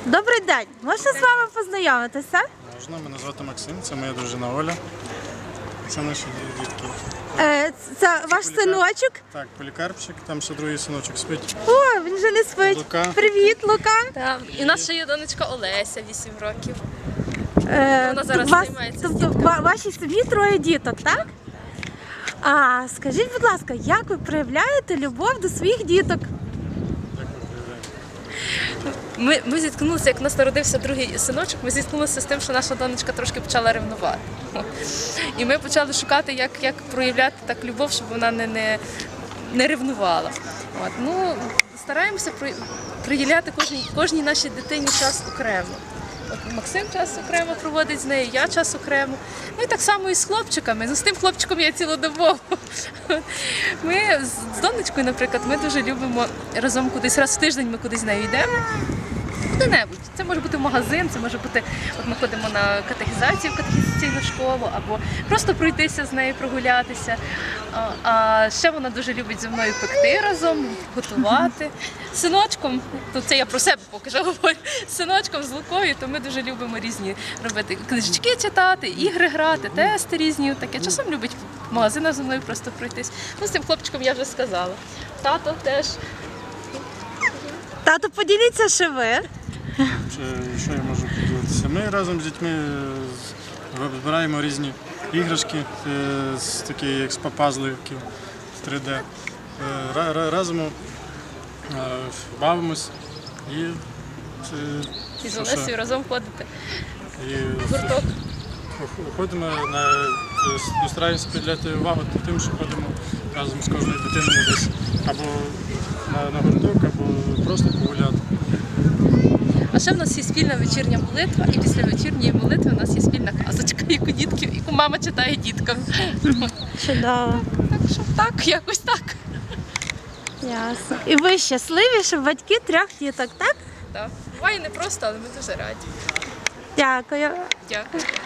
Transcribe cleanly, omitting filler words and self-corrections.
Добрий день, можна з вами познайомитися? Можна, мене звати Максим, це моя дружина Оля. Це наші дітки. Це ваш синочок? Так, Полікарпчик, там ще другий синочок спить. О, він вже не спить. Лука. Привіт, Лука. Так. І в нас ще є донечка Олеся, 8 років. Вона зараз займається з дітками. Вашій сім'ї троє діток, так? А скажіть, будь ласка, як ви проявляєте любов до своїх діток? Ми зіткнулися, як у нас народився другий синочок, ми зіткнулися з тим, що наша донечка трошки почала ревнувати. І ми почали шукати, як проявляти так любов, щоб вона не ревнувала. От. Ну, стараємося приділяти кожній нашій дитині час окремо. От Максим час окремо проводить з нею, я час окремо. Ну і так само і з хлопчиками. Ну, з тим хлопчиком я цілодобово. Ми з донечкою, наприклад, ми дуже любимо разом кудись, раз в тиждень ми кудись з нею йдемо. Куди-небудь. Це може бути магазин, це може бути, от ми ходимо на катехізацію в катехізаційну школу, або просто пройтися з нею, прогулятися. А ще вона дуже любить зі мною пекти разом, готувати. З синочком, то це я про себе поки що говорю, з синочком, з Лукою, то ми дуже любимо різні робити книжечки читати, ігри грати, тести різні. Таке. Часом любить в магазинах зі мною просто пройтись. Ну, з цим хлопчиком я вже сказала. Тато теж. Тато, поділіться, що ви. Що я можу поділитися? Ми разом з дітьми збираємо різні іграшки, такі як з пазликів, 3D. Разом бавимось І з Олесею разом ходите і в гурток. ходимо стараємося приділяти увагу тим, що ходимо разом з кожною дитиною десь або на гурток, або просто погуляти. А ще в нас є спільна вечірня молитва, і після вечірньої молитви у нас є спільна казочка, яку мама читає діткам. Чудово. Так що так, якось так. Ясно. І ви щасливі, що батьки трьох діток, так? Так. Буває непросто, але ми дуже раді. Дякую. Дякую.